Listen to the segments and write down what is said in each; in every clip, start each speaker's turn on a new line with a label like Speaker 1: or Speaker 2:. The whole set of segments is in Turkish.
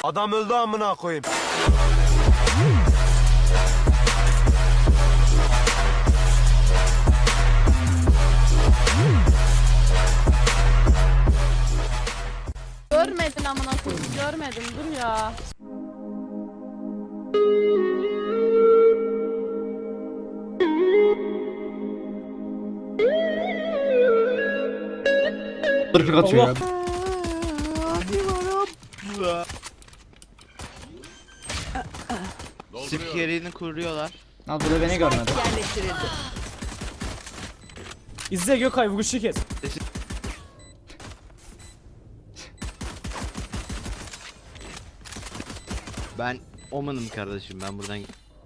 Speaker 1: Adam öldü amına koyayım.
Speaker 2: Görmedin amına koyayım, görmedim, dur ya.
Speaker 3: Tırpik atıyor ya.
Speaker 4: Sırf yerini kuruyorlar.
Speaker 3: Al burada beni görmedi.
Speaker 5: İzle Gökay vuruşu kes.
Speaker 4: Ben Oman'ım kardeşim, ben buradan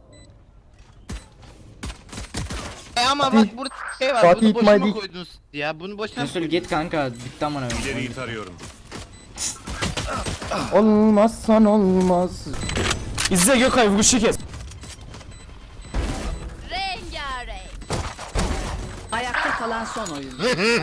Speaker 4: ama bak burada şey var,
Speaker 6: Fatih
Speaker 4: bunu boşuna
Speaker 6: İtmail-
Speaker 4: koydunuz ya, bunu boşuna
Speaker 3: Resul git kanka, bitti amına koyayım.
Speaker 1: İleriyi tarıyorum.
Speaker 6: Olmazsan olmaz.
Speaker 5: İzle Gökay vuruşu kes.
Speaker 2: Rengarenk.
Speaker 7: Ayakta kalan son oyun.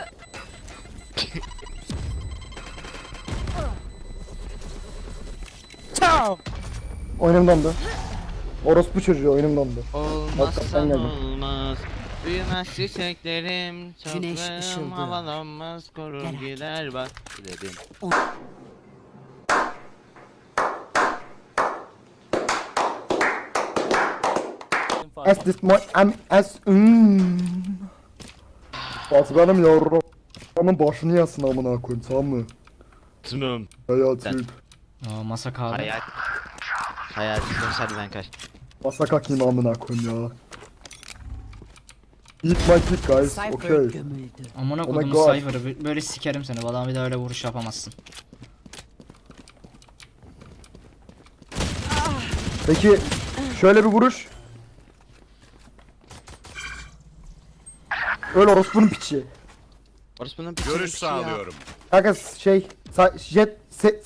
Speaker 6: Oyunum dondu. Orospu çocuğu oyunum dondu.
Speaker 4: olmazsa
Speaker 6: Hakikaten geldim.
Speaker 4: olmaz. Büyümez çiçeklerim,
Speaker 7: Güneş
Speaker 4: toprağım
Speaker 7: ışıldı.
Speaker 4: havalanmaz, korur
Speaker 7: Gel.
Speaker 4: gider bak dedim.
Speaker 6: As this my am as Fatih benim yavrum. Onun başını yasın amına koyayım, tamam mı?
Speaker 4: Tunum.
Speaker 6: Hayatım.
Speaker 3: Aa, masa kahve.
Speaker 4: Hayat hadi ben kaç.
Speaker 6: Basa kakayım amına koyayım ya. Eat my dick guys,
Speaker 7: Cypher
Speaker 6: okay.
Speaker 7: gömüldü.
Speaker 3: Amına
Speaker 6: Oh my
Speaker 3: kodumu
Speaker 6: God.
Speaker 3: Cypher'ı böyle sikerim seni. Bana bir daha öyle vuruş yapamazsın.
Speaker 6: Peki şöyle bir vuruş. Öyle orospunun piçi.
Speaker 4: Orası bunun
Speaker 1: Görüş sağlıyorum.
Speaker 6: Kanka şey jet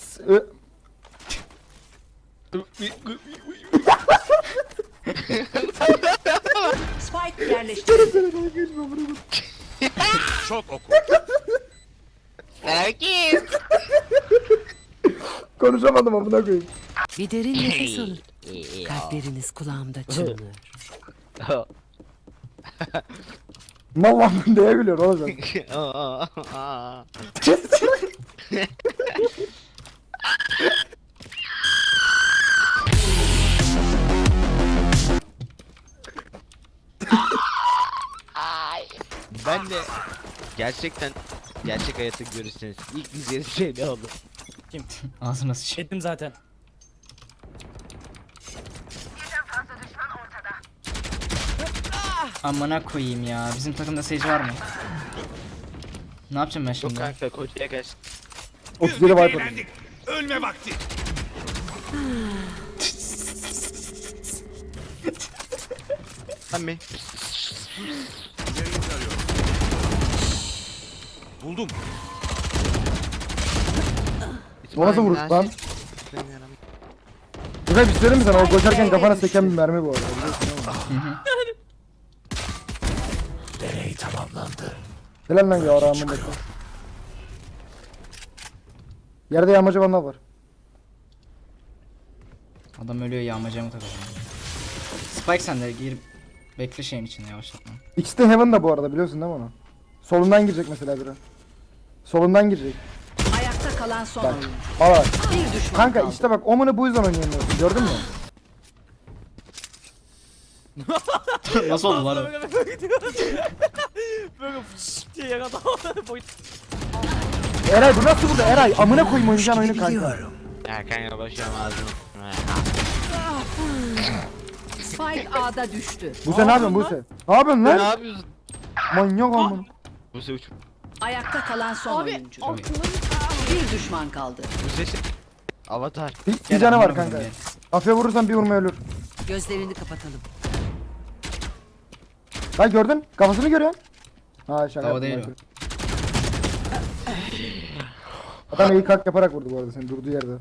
Speaker 7: Spike yerleştirildi.
Speaker 1: Çok oku.
Speaker 4: Herkes.
Speaker 6: konuşamadım amına koyayım.
Speaker 7: Bir derin nefes alın. Kalpleriniz kulağımda çınlıyor.
Speaker 6: Mal lan neye gülüyorsun oğlum sen?
Speaker 4: Ben de gerçekten gerçek hayatı görürseniz ilk diyeceğiniz şey ne olur?
Speaker 3: Ağzına sıç.
Speaker 5: Ettim zaten.
Speaker 3: Amına koyayım ya. Bizim takımda seyirci var mı? Ne yapacağım ben
Speaker 4: Yok
Speaker 3: şimdi?
Speaker 4: kanka koçaya kaç.
Speaker 6: 37 Viper.
Speaker 1: Ölme vakti.
Speaker 4: Lan mi?
Speaker 1: İleriyi tarıyorum. Buldum.
Speaker 6: O nasıl vuruş lan? Güzel bir şey söyleyeyim mi sana? O koşarken kafana seken bir mermi bu arada. Biliyorsun değil mi?
Speaker 1: Deney tamamlandı.
Speaker 6: Helal lan ya rağmen bakın. Yerde yağmacı bana var.
Speaker 3: Adam ölüyor, yağmacıya mı takacağım? Spike sen de gir. Bekle şeyin içinde, yavaşlatma.
Speaker 6: İkisi de Heaven'da bu arada, biliyorsun değil mi onu? Solundan girecek mesela biri. Solundan girecek.
Speaker 7: Ayakta kalan son
Speaker 6: Bak.
Speaker 7: oyun.
Speaker 6: Aa
Speaker 7: Bir düşman
Speaker 6: kanka
Speaker 7: kaldı.
Speaker 6: işte bak Omen'ı bu yüzden oynayamıyorsun, gördün mü?
Speaker 3: Nasıl oldu lan o?
Speaker 5: Böyle fışş diye yere boyut.
Speaker 6: Eray bu nasıl burada Eray? Amına koyayım oynayacağın oyunu kanka.
Speaker 4: Ya kanka başıyorum ağzını.
Speaker 7: Spike A'da düştü.
Speaker 6: Buse ne yapıyorsun Buse? Ne yapıyorsun
Speaker 4: Ne
Speaker 6: lan?
Speaker 4: yapıyorsun?
Speaker 6: Manyak amına.
Speaker 4: Bu se uç.
Speaker 7: Ayakta kalan son
Speaker 2: Abi
Speaker 7: oyuncu.
Speaker 2: aklım
Speaker 7: Bir düşman kaldı.
Speaker 4: Bu sesi. Avatar.
Speaker 6: Bir canı var
Speaker 3: amına
Speaker 6: kanka.
Speaker 3: koyayım
Speaker 6: Kafaya vurursan bir vurma ölür.
Speaker 7: Gözlerini kapatalım.
Speaker 6: Bak gördün? Kafasını görüyorsun. Ha şaka
Speaker 3: Hava
Speaker 6: yaptım.
Speaker 3: değil
Speaker 6: Michael. Adam iyi kalk yaparak vurdu bu arada seni durduğu yerde.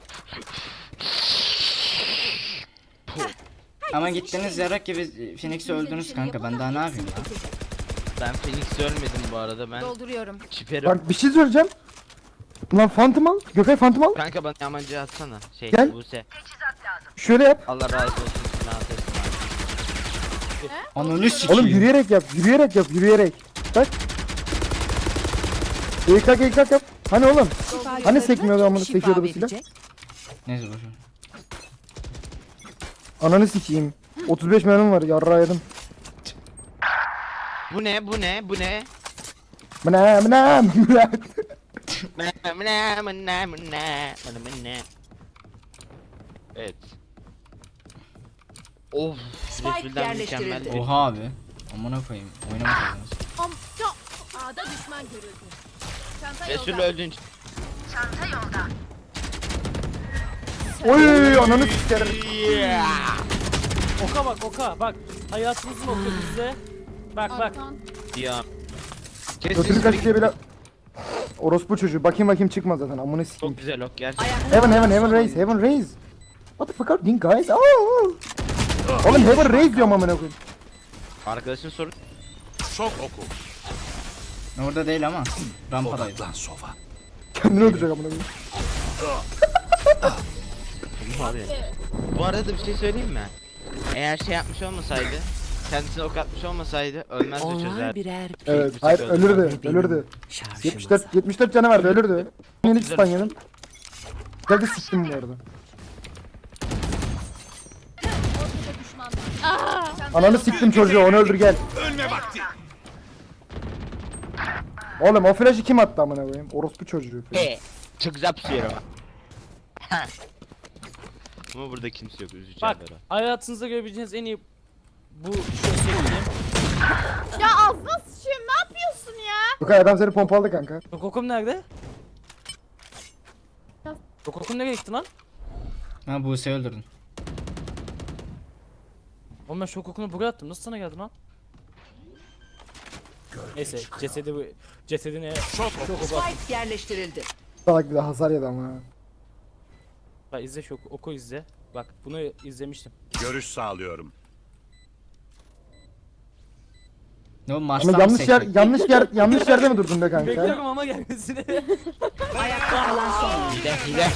Speaker 3: Ama gittiniz yarak gibi Phoenix'i öldünüz kanka. Ben daha ne yapayım ya?
Speaker 4: Ben Phoenix ölmedim bu arada, ben
Speaker 2: dolduruyorum.
Speaker 4: çiperim.
Speaker 6: Bak bir şey söyleyeceğim. Lan Phantom al. Gökay Phantom al.
Speaker 4: Kanka bana yamancı atsana. Şey
Speaker 6: Gel.
Speaker 4: Buse.
Speaker 6: Şöyle yap.
Speaker 4: Allah razı olsun. Sinan Ateş.
Speaker 3: Ananı sikeyim.
Speaker 6: Oğlum yürüyerek yap. Yürüyerek yap. Yürüyerek. Bak. İlk yap. Hani oğlum? Hani sekmiyordu amına sekiyordu bu silah?
Speaker 3: Neyse boşver.
Speaker 6: Ananı sikeyim. 35 mermim var. Yarrağı yedim.
Speaker 4: Bu ne? Bu ne? Bu ne?
Speaker 6: Mına.
Speaker 4: Evet. Of. Resul'den mükemmel.
Speaker 7: yerleştirildi.
Speaker 3: Oha abi. Amına koyayım. Oynamasaydınız.
Speaker 2: A'da düşman görüldü. Çanta
Speaker 4: Resul
Speaker 2: yolda.
Speaker 4: öldün.
Speaker 6: Oy ananı sikerim.
Speaker 5: Oka bak oka bak. Hayatımızın oku bizde. Bak bak.
Speaker 2: Arkan.
Speaker 4: Ya.
Speaker 6: Götünü kaçırıyor bile. Orospu çocuğu. Bakayım çıkmaz zaten. Amına sikeyim.
Speaker 4: Çok güzel ok gerçekten.
Speaker 6: Heaven raise. What the fuck are you doing guys? Oh. Oğlum Heaven raise diyorum amına koyayım.
Speaker 4: Arkadaşın soru.
Speaker 1: Şok oku.
Speaker 3: Orada değil ama. Rampadaydı.
Speaker 1: Odaklan sova.
Speaker 6: Kendini öldürecek amına koyayım.
Speaker 4: Bu arada bir şey söyleyeyim mi? Eğer şey yapmış olmasaydı, kendisine ok atmış olmasaydı ölmez de
Speaker 7: Onlar
Speaker 4: çözer.
Speaker 7: birer
Speaker 6: Evet.
Speaker 4: bıçak
Speaker 6: Hayır
Speaker 4: öldü.
Speaker 6: ölürdü.
Speaker 7: şarjımız.
Speaker 6: 74 canı vardı ölürdü. Yeni stun yedim. Geldi siktim bu arada.
Speaker 2: Ortada düşman var. Çanta
Speaker 6: Ananı
Speaker 2: yolda.
Speaker 6: siktim çocuğu onu öldür gel.
Speaker 1: Ölme vakti.
Speaker 6: Oğlum o flash'ı kim attı amına koyayım? Orospu çocuğu.
Speaker 4: He. Çok güzel pusuyor ama. Ama burada kimse yok üzücü
Speaker 5: Bak
Speaker 4: haber o.
Speaker 5: hayatınızda görebileceğiniz en iyi bu şöyle söyleyeyim.
Speaker 2: Ya ağzına sıçayım ne yapıyorsun ya?
Speaker 6: Gökay adam seni pompaladı kanka.
Speaker 5: Kokokum nerede? Kokokum nereye gitti lan?
Speaker 3: Ha Buse'yi öldürdün.
Speaker 5: Oğlum ben Şokokunu buraya attım. Nasıl sana geldi lan? Neyse cesedine
Speaker 1: Şok oku.
Speaker 7: Spike yerleştirildi.
Speaker 6: Salak bir de hasar yedi ama.
Speaker 5: bak izle oku izle. Bak bunu izlemiştim.
Speaker 1: Görüş sağlıyorum.
Speaker 3: Ne o
Speaker 6: Ama
Speaker 3: Mars'tan mı seçecek?
Speaker 6: yanlış yerde mi durdun be kanka?
Speaker 5: Bekliyorum ama gelmesini.
Speaker 7: Ayakta kalan son oyuncu.
Speaker 4: Hile.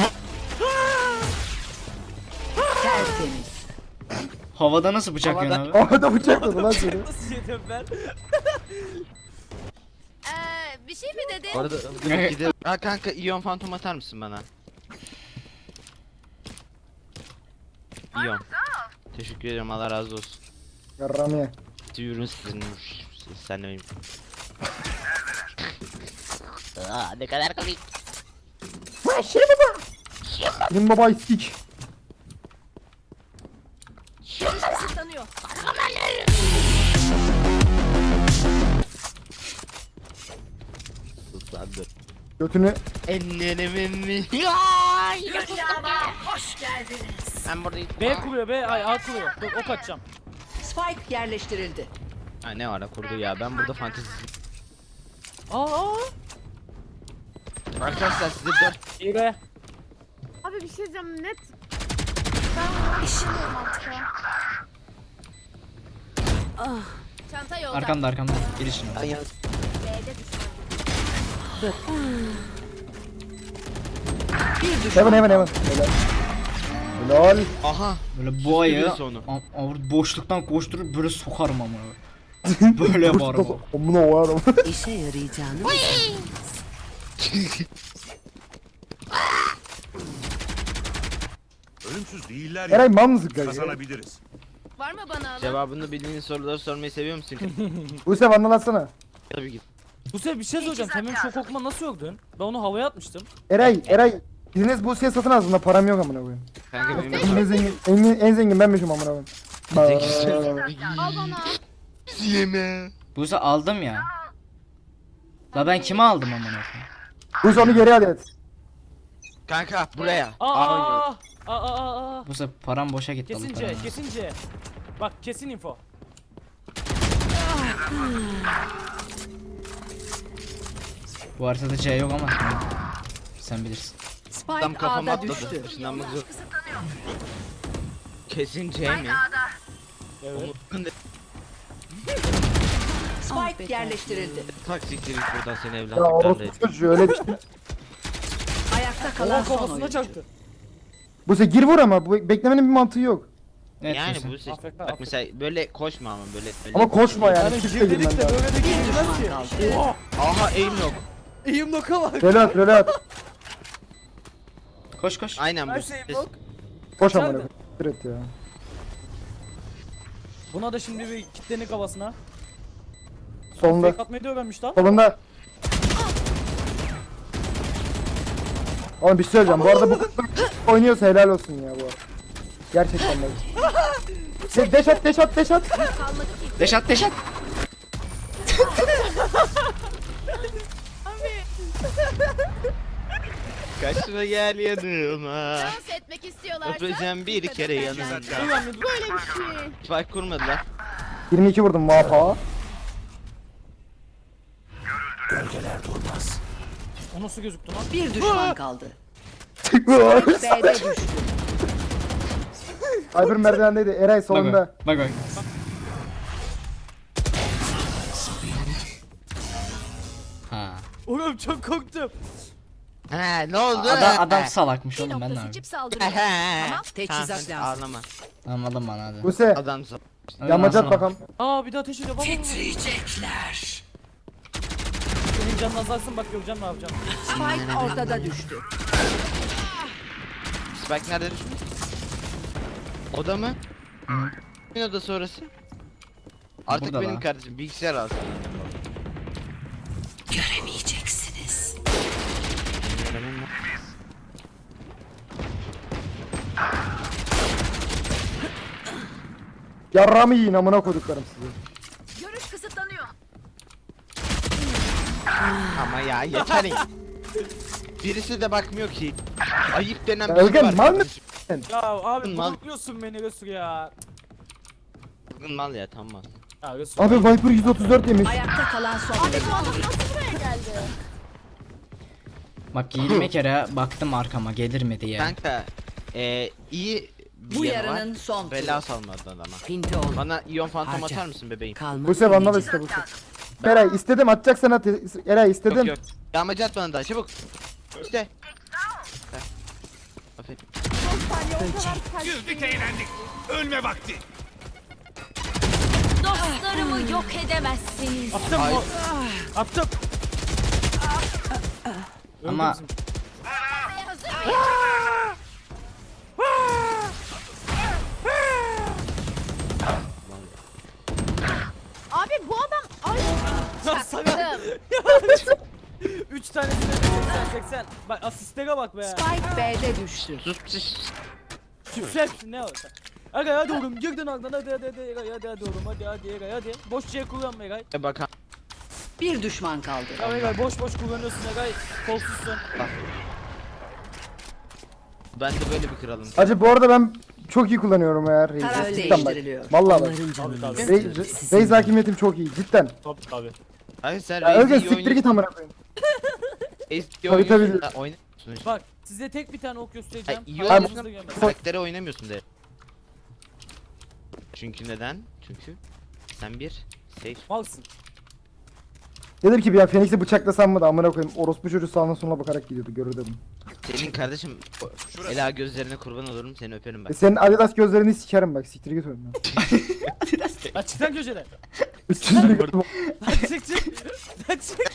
Speaker 7: Tertemiz.
Speaker 3: Havada nasıl bıçak yiyorsun abi?
Speaker 6: Orada bıçakladı lan seni.
Speaker 5: Nasıl yedim ben?
Speaker 2: Bir şey mi dedi?
Speaker 4: Bu arada gidelim. Ha kanka iyon fantom atar mısın bana? İyon. Teşekkür ederim Allah razı olsun.
Speaker 6: Yarram ye.
Speaker 4: Duyurun sizin. Sen de benim. Aa, ne kadar komik.
Speaker 6: Benim baba sik.
Speaker 2: Kısıtlanıyor.
Speaker 4: Islandı.
Speaker 6: Götünü
Speaker 4: Ellerimin. Hoş geldiniz. Ben buradayım.
Speaker 5: B kuruyor A kuruyor. Dur ok atacağım.
Speaker 7: Spike yerleştirildi.
Speaker 4: Ha ne ara kurdu ya ben burada fantezi.
Speaker 5: Aa.
Speaker 4: Arkadaşlar size 4
Speaker 5: İyi be.
Speaker 2: Abi bir şey diyeceğim net. Ben bilmiyorum artık ya. Çanta yolda.
Speaker 3: Arkamda. Gir içine.
Speaker 2: B'de düşman.
Speaker 7: Bir düşman.
Speaker 6: Heaven. Helal. Helal.
Speaker 4: Aha.
Speaker 3: Böyle bu ayı
Speaker 4: Süpürüyorsun onu.
Speaker 3: boşluktan koşturup böyle sokarım ama. Böyle yaparım.
Speaker 6: Amına koyarım.
Speaker 7: İşe yarayacağını
Speaker 1: Ölümsüz değiller ya.
Speaker 6: Eray mal mısın kanka?
Speaker 1: Kazanabiliriz.
Speaker 2: Var mı bana alan?
Speaker 4: Cevabını bildiğin soruları sormayı seviyor musun?
Speaker 6: Buse vandalatsana.
Speaker 4: Tabii ki.
Speaker 5: Bu sefer bir şey söyleyeceğim. Sen benim şok okuma nasıl yordun? Ben onu havaya atmıştım.
Speaker 6: Eray. Biriniz Buse'ye satın alsın da param yok amına koyayım.
Speaker 4: Kanka benim
Speaker 6: En zengin benmişim amına koyayım.
Speaker 2: Al bana.
Speaker 4: yeme.
Speaker 3: Buse aldım ya. La ben kime aldım amına koyayım?
Speaker 6: Buse onu geri al et.
Speaker 4: Kanka buraya. Aa.
Speaker 5: Aa.
Speaker 3: Buse param boşa gitti. alıp
Speaker 5: Kesince,
Speaker 3: paramı.
Speaker 5: kesince. Bak kesin info.
Speaker 3: Bu haritada C yok ama. Sen bilirsin.
Speaker 4: Adam
Speaker 7: Spike
Speaker 4: kafama
Speaker 7: A'da
Speaker 4: atladı.
Speaker 7: düştü.
Speaker 4: Işınlanmak zor. Kesin C mi?
Speaker 5: Evet.
Speaker 7: Spike yerleştirildi.
Speaker 4: Tak siktir git buradan seni
Speaker 6: Ya
Speaker 4: evlatlıklarla.
Speaker 6: orospu çocuğu öyle bir şey.
Speaker 7: Ayakta kalan son
Speaker 5: Kafasına
Speaker 7: oyuncu.
Speaker 5: çaktı.
Speaker 6: Buse gir vur ama bu beklemenin bir mantığı yok.
Speaker 3: Evet,
Speaker 4: Yani
Speaker 3: Buse.
Speaker 4: bu seç.
Speaker 5: Afrika,
Speaker 4: Bak
Speaker 5: Afrika.
Speaker 4: mesela böyle koşma ama böyle.
Speaker 6: Ama koşma yani.
Speaker 5: Yani
Speaker 6: Çifte girmen
Speaker 5: girdilik de
Speaker 6: lazım.
Speaker 5: böyle de girmez
Speaker 7: düşman
Speaker 5: ki.
Speaker 7: kaldı.
Speaker 5: Oha.
Speaker 4: Aha aim yok.
Speaker 5: Eğim noka bak.
Speaker 6: Röle at.
Speaker 3: Koş koş.
Speaker 4: Aynen bu.
Speaker 5: Her şey yok.
Speaker 6: Koş amına
Speaker 5: Nerede?
Speaker 6: koyayım. Evet ya.
Speaker 5: Buna da şimdi bir kitlenin kafasına.
Speaker 6: Solunda.
Speaker 5: Fake atmayı da öğrenmiş lan.
Speaker 6: Solunda. Oğlum bir şey söyleyeceğim. Bu arada bu oynuyorsa helal olsun ya bu arada. Gerçekten de. Deş at.
Speaker 3: Deş at deş at.
Speaker 4: Kaçma gel yanıma.
Speaker 2: Dans etmek istiyorlarsa.
Speaker 4: Öpeceğim bir kere yanında.
Speaker 2: Böyle bir şey.
Speaker 4: Spike kurmadılar.
Speaker 6: 22 vurdum vapa.
Speaker 5: O nasıl gözüktü lan?
Speaker 7: Bir düşman kaldı. B'de düştü.
Speaker 6: Cyber merdivendeydi. Eray solunda.
Speaker 3: Bak bak. Ha.
Speaker 5: Oğlum çok korktum.
Speaker 4: Ha ne oldu?
Speaker 3: Adam salakmış oğlum ben de abi.
Speaker 2: saldırıyor.
Speaker 4: Tamam.
Speaker 7: Teçhizat lazım.
Speaker 4: Ağlama.
Speaker 3: Anladım bana hadi.
Speaker 6: Buse
Speaker 4: Adam sal.
Speaker 6: yamacat bakalım.
Speaker 5: Aa bir daha ateş ediyor. Baba.
Speaker 7: Titriyecekler.
Speaker 5: Senin canın azalsın bak göreceğim ne yapacağım.
Speaker 7: Spike ortada düştü.
Speaker 4: Spike nerede düşmüş? Oda mı? Kimin odası orası? Artık
Speaker 3: Burada
Speaker 4: benim
Speaker 3: lan.
Speaker 4: kardeşim bilgisayar alsın.
Speaker 7: Göremeyeceksiniz.
Speaker 6: Yarramı yiyin amına koyduklarım sizi.
Speaker 2: Görüş kısıtlanıyor.
Speaker 4: Ama ya yeter ya. Birisi de bakmıyor ki. Ayıp denen bir şey
Speaker 6: Özgen
Speaker 4: var.
Speaker 6: mal mı?
Speaker 5: Ya abi
Speaker 4: Mal.
Speaker 5: korkuyorsun beni Resul ya.
Speaker 4: Kızgın mal ya tamam.
Speaker 5: Ya Resul.
Speaker 6: Abi Viper 134 yemiş.
Speaker 7: Ayakta kalan son
Speaker 2: Abi
Speaker 7: oyuncu.
Speaker 2: bu adam nasıl buraya geldi?
Speaker 3: Bak 20 kere baktım arkama gelir mi diye.
Speaker 4: Kanka iyi bir
Speaker 7: Bu
Speaker 4: yanı var.
Speaker 7: yarının son turu.
Speaker 4: Bela salmadı adama.
Speaker 7: Pinti ol.
Speaker 4: Bana iyon fantom
Speaker 7: Harca.
Speaker 4: atar mısın bebeğim?
Speaker 7: Kalma.
Speaker 6: Buse vandal iste Buse. Eray istedim atacaksan at. Eray istedim.
Speaker 4: Yok yok. Yağmacı at bana daha çabuk. İşte. Heh. Aferin.
Speaker 1: Güldük eğlendik. Ölme vakti.
Speaker 2: Dostlarımı yok edemezsiniz.
Speaker 5: Attım
Speaker 4: Ay.
Speaker 5: mı? Attım.
Speaker 3: Ama
Speaker 2: Abi bu adam... Ay.
Speaker 5: Lan sana.
Speaker 2: Çaktım.
Speaker 5: 3 tanesine 80. Bak asistlere bak be.
Speaker 7: Spike B'de düştü.
Speaker 4: Sus sus.
Speaker 5: Küfret ne olsa. Aga hadi oğlum girdin ardından hadi oğlum hadi Eray hadi. Boş şey kullanma Eray.
Speaker 4: Bakan.
Speaker 7: Bir düşman kaldı.
Speaker 5: Ya Eray boş kullanıyorsun Eray. Kolsuzsun.
Speaker 4: Ben de böyle bir kralım.
Speaker 6: Acı bu arada ben çok iyi kullanıyorum ya
Speaker 7: Taraf
Speaker 6: Reis'i. Cidden bak.
Speaker 7: değiştiriliyor.
Speaker 6: Vallahi bak.
Speaker 7: Onların canını
Speaker 5: Tabii,
Speaker 7: istiyorum.
Speaker 6: Reis hakimiyetim çok iyi cidden.
Speaker 5: Tabii.
Speaker 4: Hayır sen
Speaker 6: Ya Özgen
Speaker 4: Reis'i iyi
Speaker 6: siktir git amına koyayım.
Speaker 4: iyi
Speaker 6: Tabii, tabii.
Speaker 4: oynuyorsun. Oynamıyorsun işte.
Speaker 5: Bak size tek bir tane ok göstereceğim.
Speaker 4: Ay, iyi
Speaker 5: Hayatınızda görmediniz.
Speaker 4: Karaktere oynamıyorsun de. Çünkü neden? Çünkü sen bir safe.
Speaker 5: Malsın.
Speaker 6: Dedim ki bir an Phoenix'i bıçaklasam mı da amına koyayım. Orospu çocuğu sağına soluna bakarak gidiyordu görür dedim.
Speaker 4: Senin kardeşim Ela gözlerine kurban olurum seni öperim bak.
Speaker 6: Senin Adidas gözlerini sikerim bak siktir git önüne.
Speaker 5: Lan çık lan köşeden.
Speaker 6: 300 lira
Speaker 5: Lan çık çık. Lan çık.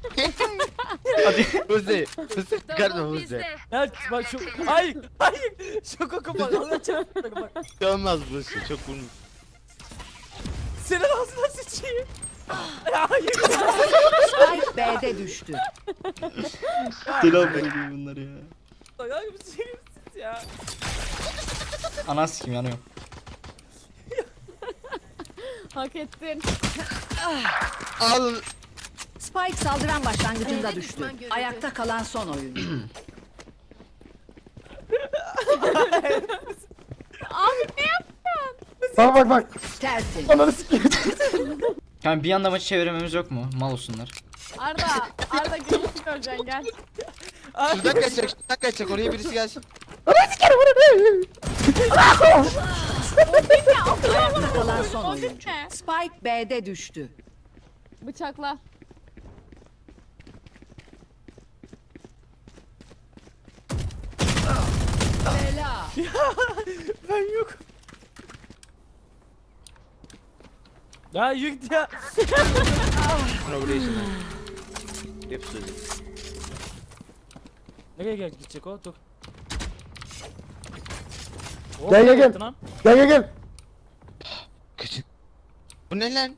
Speaker 4: Hızlı. Hızlı çıkartma hızlı.
Speaker 5: Ya bak şu. Hayır. Şu koku bak. Allah çarptı bak.
Speaker 4: Olmaz bu şey çok vurmuş.
Speaker 5: Senin ağzına sıçayım. Ya hayır.
Speaker 7: Spike B'de düştü.
Speaker 3: deli olmayın bunlar ya.
Speaker 5: Ya bir şeyim siz ya.
Speaker 3: Ana sikim yanıyor.
Speaker 2: Hak ettin.
Speaker 4: Al.
Speaker 7: Spike saldıran başlangıcında
Speaker 2: B'de
Speaker 7: düştü.
Speaker 2: düşman görüldü.
Speaker 7: Ayakta kalan son oyuncu.
Speaker 2: Abi ne yaptın?
Speaker 6: Bak bak.
Speaker 7: Tersin.
Speaker 6: Ananı sikeyim.
Speaker 3: Yani bir anda maçı çevirmemiz yok mu? Mal olsunlar.
Speaker 2: Arda görüşü göreceksin gel.
Speaker 4: Şuradan kaçacak oraya birisi gelsin.
Speaker 7: Ayakta kalan son oyuncu.
Speaker 2: ne?
Speaker 7: Spike B'de düştü.
Speaker 2: Bıçakla.
Speaker 5: Ben yok. Ya yıkt ya.
Speaker 4: Progression. Hep sözü.
Speaker 5: Nereye gidecek o? Dur.
Speaker 6: Gel, gel, gel.
Speaker 5: yaptın lan?
Speaker 6: Gel gel gel.
Speaker 4: Kaçın. Bu ne lan?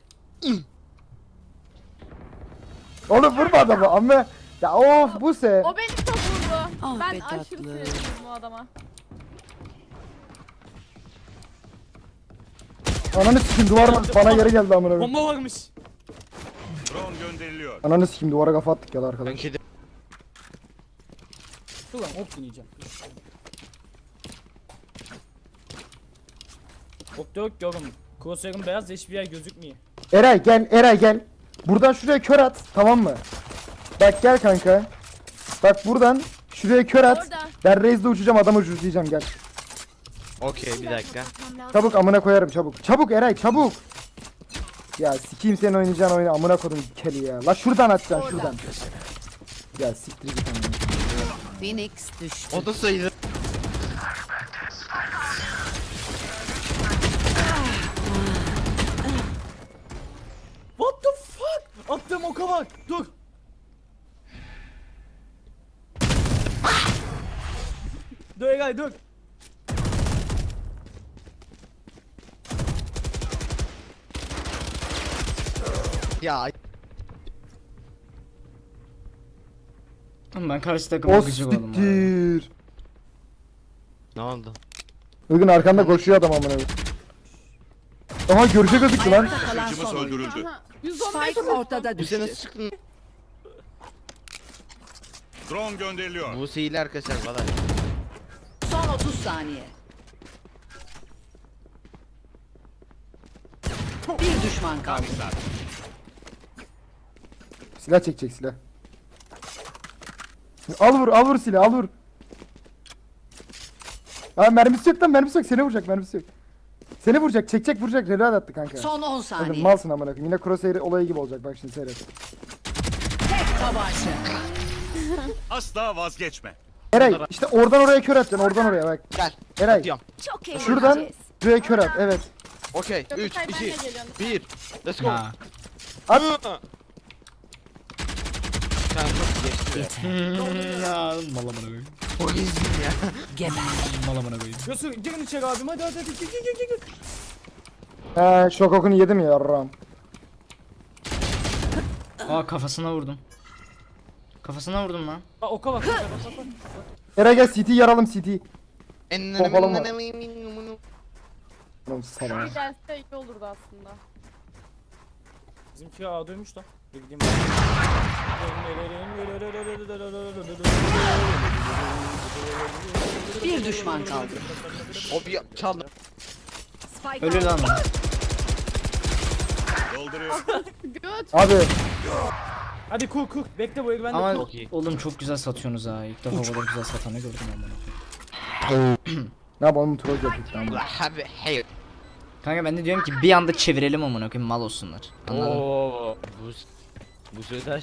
Speaker 6: Oğlum vurma adamı amma. Ya of bu se.
Speaker 2: O beni çok vurdu.
Speaker 7: Ah
Speaker 2: Ben
Speaker 7: be
Speaker 2: aşırı
Speaker 7: tatlı.
Speaker 2: sinirliyim bu adama.
Speaker 6: Ananı sikim duvar bana geri geldi amına koyayım.
Speaker 5: Bomba varmış.
Speaker 1: Drone gönderiliyor.
Speaker 6: Ananı sikim duvara kafa attık ya arkadaş.
Speaker 4: Ben kedi.
Speaker 5: Dur lan hop deneyeceğim. Hop da yok ki oğlum. Crosshair'ın beyaz da hiçbir yer gözükmüyor.
Speaker 6: Eray gel Eray gel. Buradan şuraya kör at tamam mı? Bak gel kanka. Bak buradan şuraya kör at.
Speaker 2: Orada.
Speaker 6: Ben Raze'de uçacağım adamı uçuracağım gel.
Speaker 4: Okey bir dakika.
Speaker 6: Çabuk amına koyarım çabuk. Çabuk Eray çabuk. Ya sikeyim senin oynayacağın oyunu amına kodum keli ya. La şuradan atacaksın şuradan. Ya siktir git amına.
Speaker 7: Phoenix düştü.
Speaker 4: O da sayılır.
Speaker 5: What the fuck? Attığım oka bak. Dur. Dur Egay dur.
Speaker 4: Ya
Speaker 3: Oğlum ben karşı takıma
Speaker 6: O
Speaker 3: gıcık oldum. abi.
Speaker 6: siktir.
Speaker 4: ne oldu?
Speaker 6: Bugün arkanda koşuyor adam amına koyayım. Aha görüşe gözüktü lan.
Speaker 7: Ayakta kalan
Speaker 1: Taşıyıcımız
Speaker 7: son oyuncu.
Speaker 1: öldürüldü.
Speaker 2: Aha. 115
Speaker 7: Spike ortada
Speaker 4: Bu sene
Speaker 7: düştü.
Speaker 4: sıktın.
Speaker 1: Drone gönderiliyor.
Speaker 4: Bu sihirli arkadaşlar valla.
Speaker 7: Son 30 saniye. Bir düşman kaldı.
Speaker 6: Silah çekecek silah. Al vur silah al vur. Aa mermisi yok lan mermisi yok seni vuracak mermisi yok. Seni vuracak çekecek vuracak reload attı kanka.
Speaker 7: Son 10
Speaker 6: Oğlum,
Speaker 7: saniye.
Speaker 6: malsın amına koyayım yine crosshair olayı gibi olacak bak şimdi seyret.
Speaker 7: Tek tabanca.
Speaker 1: Asla vazgeçme.
Speaker 6: Eray işte oradan oraya kör atacaksın oradan oraya bak.
Speaker 4: Gel.
Speaker 6: Eray
Speaker 4: Atıyorum.
Speaker 2: Çok eğlenceli.
Speaker 6: şuradan şuraya kör at evet.
Speaker 4: Okey.
Speaker 2: Yok,
Speaker 4: 3,
Speaker 2: hayır, ben de
Speaker 4: 2,
Speaker 2: geliyorum.
Speaker 4: 1. Let's go.
Speaker 3: Ha.
Speaker 6: At.
Speaker 4: Sen çok geçti.
Speaker 3: Ya mal amına koyayım.
Speaker 4: O izin ya.
Speaker 7: Geber.
Speaker 3: Mal amına koyayım.
Speaker 5: Yosu girin içeri abim hadi hadi gir.
Speaker 6: He şok okunu yedim ya yarram.
Speaker 3: Aa kafasına vurdum. Kafasına vurdum lan.
Speaker 5: Aa oka bak. Oka bak.
Speaker 6: Eray gel CT yaralım CT. Pompalım var. Oğlum sana.
Speaker 2: Bir gelse iyi olurdu aslında.
Speaker 5: Bizimki A'daymış lan. Bir gideyim.
Speaker 7: Bir düşman kaldı.
Speaker 4: O bir çaldı.
Speaker 7: Spike
Speaker 3: Ölür lan.
Speaker 1: Dolduruyor.
Speaker 2: Göt.
Speaker 6: Abi
Speaker 5: Hadi kur. Bekle bu el bende
Speaker 3: Ama
Speaker 5: kur.
Speaker 4: Çok iyi.
Speaker 3: oğlum çok güzel satıyorsunuz ha. İlk defa bu kadar güzel satanı gördüm amına.
Speaker 6: ne yapalım troll yaptık tamam.
Speaker 4: Abi hey.
Speaker 3: Kanka ben de diyorum ki bir anda çevirelim amına koyayım mal olsunlar. Anladın mı?
Speaker 4: Oo. Bu sözler.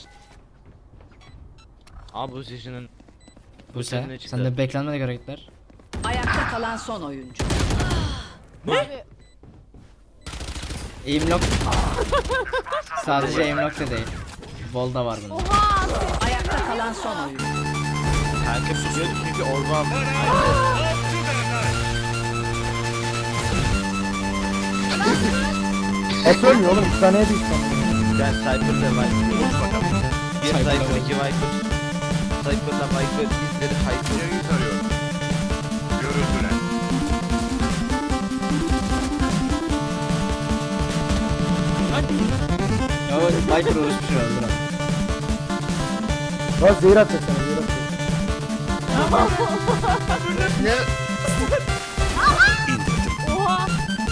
Speaker 4: Abi bu seçinin
Speaker 3: Bu
Speaker 4: sene
Speaker 3: sen.
Speaker 4: çıktı.
Speaker 3: Sen de beklenmedik hareketler.
Speaker 7: Ayakta kalan son oyuncu.
Speaker 2: Abi
Speaker 3: Aim lock. Sadece aim lock da değil. Wall da var bunun.
Speaker 2: oha.
Speaker 7: Ayakta kalan son oyuncu.
Speaker 4: kanka biliyordu çünkü orba
Speaker 6: Nasıl ölmüyor oğlum 2 saniyeye değil sana.
Speaker 4: ben Cypher'da var. Bir Cypher 2 Viper. Cypher'da Viper izleri Hyper.
Speaker 1: İleriyi tarıyorum. Görüldüler.
Speaker 3: Ya Viper uğraşmış herhalde lan.
Speaker 6: Lan zehir atacak sana zehir atacak.
Speaker 4: Ne?
Speaker 2: Oha.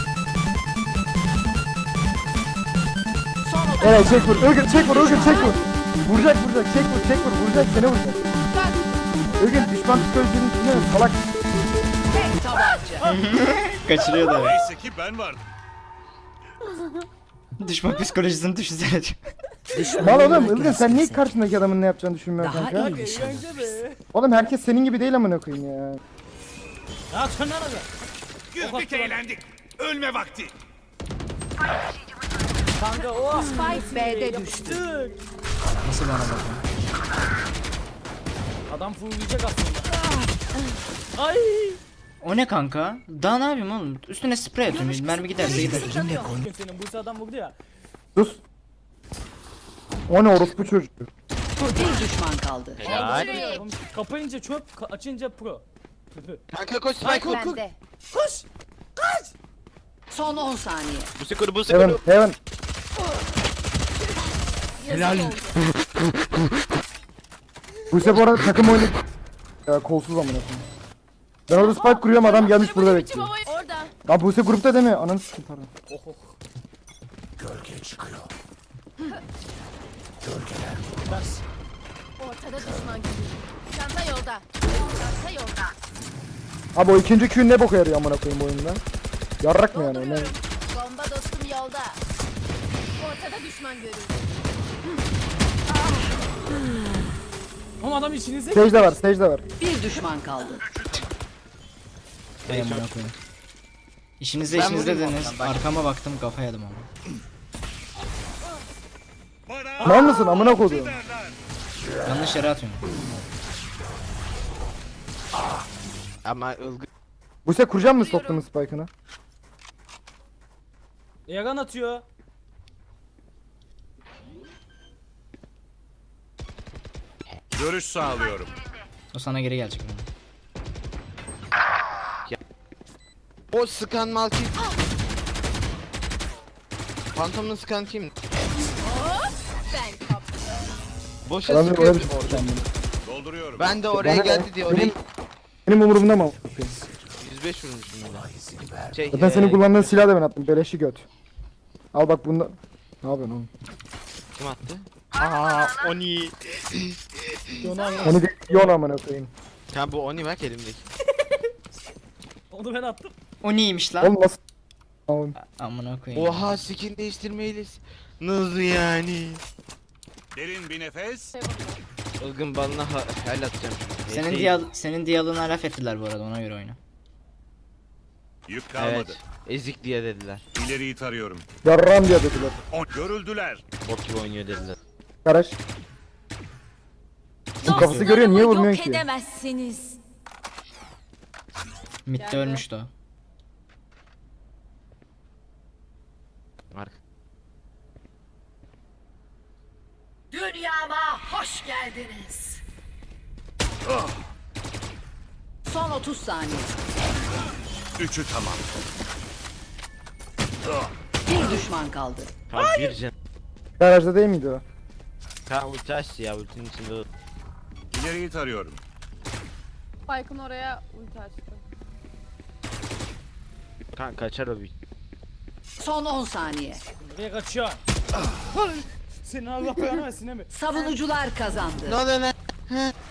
Speaker 7: Son 30
Speaker 6: Eray çek vur Ilgın çek vur Vuracak çek vur vuracak seni vuracak. Ilgın düşman psikolojinin içinde mi salak.
Speaker 7: tek tabanca.
Speaker 3: Kaçırıyor da.
Speaker 1: Neyse ki ben vardım.
Speaker 3: Düşman psikolojisini düşünsene.
Speaker 6: Mal oğlum Ilgın sen niye karşındaki adamın ne yapacağını düşünmüyorsun
Speaker 7: Daha
Speaker 6: kanka?
Speaker 7: iyi nişan alır.
Speaker 5: Eğlence be.
Speaker 6: Oğlum herkes senin gibi değil amına koyayım ya.
Speaker 5: Ya sen nerede?
Speaker 1: Güldük
Speaker 5: attı bana.
Speaker 1: eğlendik. Ölme vakti.
Speaker 5: Kanka o.
Speaker 7: Spike B'de düştü.
Speaker 5: Yaptık.
Speaker 3: Nasıl bana bakın?
Speaker 5: Adam fullleyecek aslında. Ay.
Speaker 3: O ne kanka? Daha ne yapayım oğlum? Üstüne sprey atıyorum. Mermi giderse gider.
Speaker 5: Bugün senin bu adam vurdu ya.
Speaker 6: Sus. O ne orospu çocuk.
Speaker 7: Bir düşman kaldı.
Speaker 4: Helal.
Speaker 5: Kapayınca çöp, açınca pro.
Speaker 4: Kanka koş Spike kur.
Speaker 2: Bende.
Speaker 5: Koş.
Speaker 7: Son 10 saniye.
Speaker 4: Bu kur bu
Speaker 6: Heaven,
Speaker 4: kur.
Speaker 6: heaven.
Speaker 4: Helal.
Speaker 6: Buse bu arada takım oyunu ya, kolsuz amına koyayım. Ben orada spike kuruyorum, adam gelmiş burada bekliyor.
Speaker 2: Orada.
Speaker 6: Lan Buse grupta değil mi? Ananı sikeyim pardon.
Speaker 5: Oh oh.
Speaker 2: Ortada düşman gibi. Çanta yolda. Çanta yolda.
Speaker 6: Abi o ikinci Q ne boka yarıyor amına koyayım bu oyunda? Yarrak mı yani? Ne?
Speaker 2: Dolduruyorum. Bomba dostum yolda. Ortada düşman görüldü.
Speaker 5: Ama adam içinize.
Speaker 6: Stage de var, stage de var.
Speaker 7: Bir düşman kaldı.
Speaker 3: Hay amına koyayım. İşinizde
Speaker 4: Ben
Speaker 3: işinizde
Speaker 4: vurayım
Speaker 3: dediniz.
Speaker 4: oradan, bak.
Speaker 3: Arkama baktım kafa yedim ama.
Speaker 1: Bana
Speaker 6: Mal mısın amına koyduğum?
Speaker 1: derler.
Speaker 3: Yanlış yere atıyorum.
Speaker 4: Ama ılgı.
Speaker 6: Buse kuracak mı stoplumun spike'ını?
Speaker 5: Yagan atıyor.
Speaker 1: Görüş sağlıyorum.
Speaker 3: O sana geri gelecek.
Speaker 4: O sıkan mal kim? Phantom'un sıkan kim?
Speaker 2: Ben kaptım.
Speaker 4: Boşa
Speaker 6: Adam
Speaker 4: sıkıyor.
Speaker 6: öyle bir şey yapacağım bunu.
Speaker 1: Dolduruyorum.
Speaker 4: Ben de oraya
Speaker 6: Bana ne?
Speaker 4: geldi diye orayı
Speaker 6: Benim umurumda mı?
Speaker 4: 105 vurmuşum ben. Şey,
Speaker 6: Zaten senin kullandığın silahı da ben attım. Beleşi göt. Al bak bunda. Ne yapıyorsun oğlum?
Speaker 4: kim attı? Aa, Oni.
Speaker 6: Hani de yon amına koyayım.
Speaker 4: Ya bu Oni bak elimdeki.
Speaker 5: Onu ben attım.
Speaker 3: O neymiş lan?
Speaker 6: Oğlum nasıl? Oğlum.
Speaker 3: Amına koyayım.
Speaker 4: Oha skin değiştirmeyiz. Nasıl yani?
Speaker 1: Derin bir nefes.
Speaker 4: Ilgın balına hel atacağım.
Speaker 3: Senin diyalığına laf ettiler bu arada, ona göre oyna.
Speaker 1: Yük kalmadı.
Speaker 4: Evet. Ezik diye dediler.
Speaker 1: İleriyi tarıyorum.
Speaker 6: Yarram diye dediler.
Speaker 1: Görüldüler.
Speaker 4: Bok gibi oynuyor dediler.
Speaker 6: Garaj. Bu kafası görüyor, niye vurmuyorsun ki?
Speaker 2: edemezsiniz.
Speaker 3: Mid'de ölmüştü o.
Speaker 4: Mark.
Speaker 7: Dünyama hoş geldiniz. Son 30 saniye.
Speaker 1: Üçü tamam.
Speaker 7: Bir düşman kaldı.
Speaker 4: Tamam bir can.
Speaker 6: Garajda değil miydi o?
Speaker 4: Kanka ulti açtı ya ultinin içinde o.
Speaker 1: İleriyi tarıyorum.
Speaker 2: Spike'ın oraya ulti açtı.
Speaker 4: Kanka kaçar o bir.
Speaker 7: Son 10 saniye.
Speaker 5: Nereye kaçıyor? Senin Allah belanı versin değil mi?
Speaker 7: Savunucular kazandı.
Speaker 4: Ne oluyor lan?